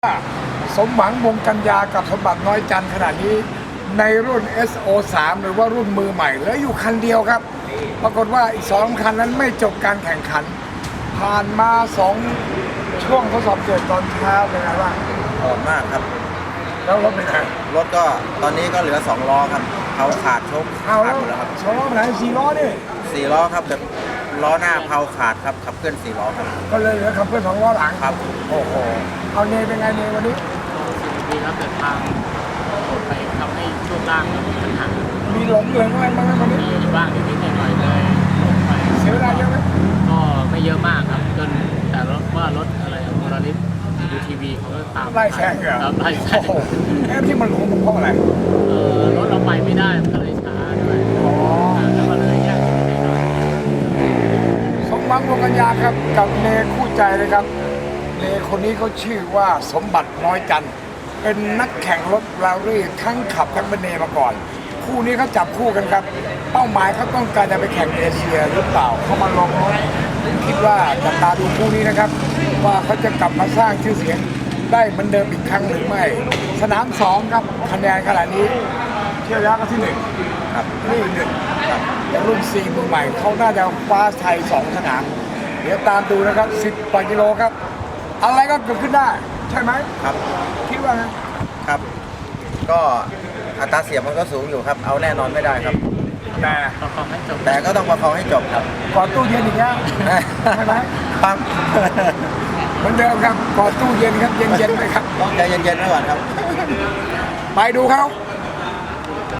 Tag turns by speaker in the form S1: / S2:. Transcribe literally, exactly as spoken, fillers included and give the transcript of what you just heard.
S1: สมหวังวงกัญญากับสมบัติน้อยจันทร์ขณะนี้ในรุ่น เอส โอ สาม หรือว่ารุ่นมือใหม่เหลืออยู่คันเดียวครับ ปรากฏว่าอีกสองคันนั้นไม่จบการแข่งขัน ผ่านมาสองช่วงทดสอบเกิดตอนเช้าเป็นไงบ้าง
S2: ออกมากครับ
S1: แล้วรถเป็นไง
S2: รถก็ตอนนี้ก็เหลือสองล้อครับเขาขาดชก
S1: เอา
S2: ขา
S1: แล้
S2: ด
S1: ว
S2: หมดแล้วครับ
S1: สองล้อไปไหนสี่ล้อนี่
S2: สี่ล้อครับแบบล้อหน้าเพาขาดครับขับเคลื่อนสี่ล้อครับ
S1: ก็เลยเหลือขับเพื่อนสองล้อหลัง
S2: ครับ
S1: โอ้โหเอาเนยเป็นไงเนยวันนี้
S3: ดีครับแต่ทางไปทำให้ช่วงล่างเรามีปัญหา
S1: มีหลงเหลืองอะไรบ้างไหมวันนี้
S3: มีบ้างนิดๆหน่อยๆเลยลงไป
S1: เสียเวลาเยอะไหม
S3: ก็ไม่เยอะมากครับจนแต่รถว่ารถอะไรโมลาริสยูทีวีเขาก็ตาม
S1: ไล่แซงเหรอ
S3: ครับไล่แซ
S1: โอ้
S3: ง
S1: โหแอบที่มันหลงเพราะอะไร
S3: เออรถเราไปไม่ได้มันก็เลยช้าด้วย
S1: อ๋อ
S3: แล้วก็เลยแยกกันไปหน่อย
S1: สมหวังวงกัญญาครับกับเนคู่ใจเลยครับเนคนนี้เขาชื่อว่าสมบัติน้อยจันทร์เป็นนักแข่งรถแรลลี่ทั้งขับทั้งเป็นเนมาก่อน คู่นี้เขาจับคู่กันครับ เป้าหมายเขาต้องการจะไปแข่งเอเชียหรือเปล่าเขามาลองรถคิดว่าจับตาดูคู่นี้นะครับ ว่าเขาจะกลับมาสร้างชื่อเสียงได้เหมือนเดิมอีกครั้งหรือไม่ สนามสองครับคะแนนขนาดนี้เที่ยวยักษ์ก็ที่หนึ่ง
S2: ครับ
S1: นี่หนึ่งอย่างรุ่นสี่มือใหม่เขาน่าจะคว้าไทยสองสนาม เดี๋ยวตามดูนะครับสิบกว่ากิโลครับ อะไรก็เกิดขึ้นได้ ใช่ไหม
S2: ครับ
S1: คิดว่าไง
S2: ครับ ก็อัตราเสียงมันก็สูงอยู่ครับ เอาแน่นอนไม่ได้ครับ
S1: แต่
S3: ประกอบให้จบ
S2: แต่ก็ต้องประคองให้จบครับ
S1: ก่อนตู้เย็นอีกแล้วใช่ไหม
S2: ครับ
S1: เหมือนเดิมครับก่อนตู้เย็นครับเย็นๆไหมครับ
S2: ต้องใจเย็นๆไว้ก่อนครับ
S1: ไปดูเขา